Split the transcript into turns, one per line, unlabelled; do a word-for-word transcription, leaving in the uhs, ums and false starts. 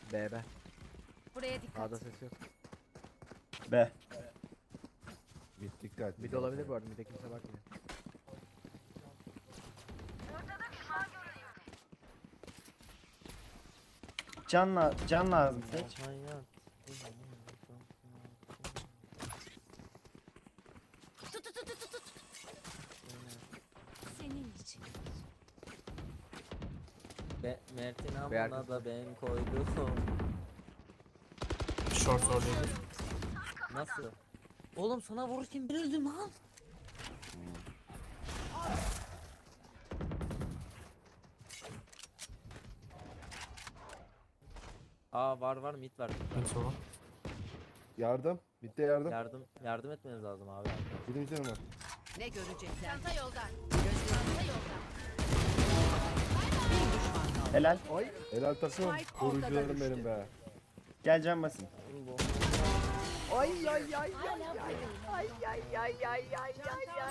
B B.
Buraya dikkat.
A'da ses yok.
B.
Mid dikkat.
Mid olabilir bu arada. Mid'e kimse bakmıyor.
Can, la can lazım seç.
Hayat.
Tut tut tut tut tut. Senin için.
Be Mert'in
Bir
amına
arkası.
da ben koydum.
Short oradaydı.
Nasıl? Oğlum sana vururken ben öldüm lan. Aa var var mid var.
En sona.
Yardım. Mid'de yardım.
Yardım yardım etmeniz lazım abi.
Birim canım var.
Ne görecekler? Çanta yolda. Çanta yolda. Bir düşman kaldı.
Helal.
Helal takım.
Spike ortada
Korucularım
düştü.
benim be.
Gel can basın.
Ay ay ay ay ay ay ay ay ay ay ay ay.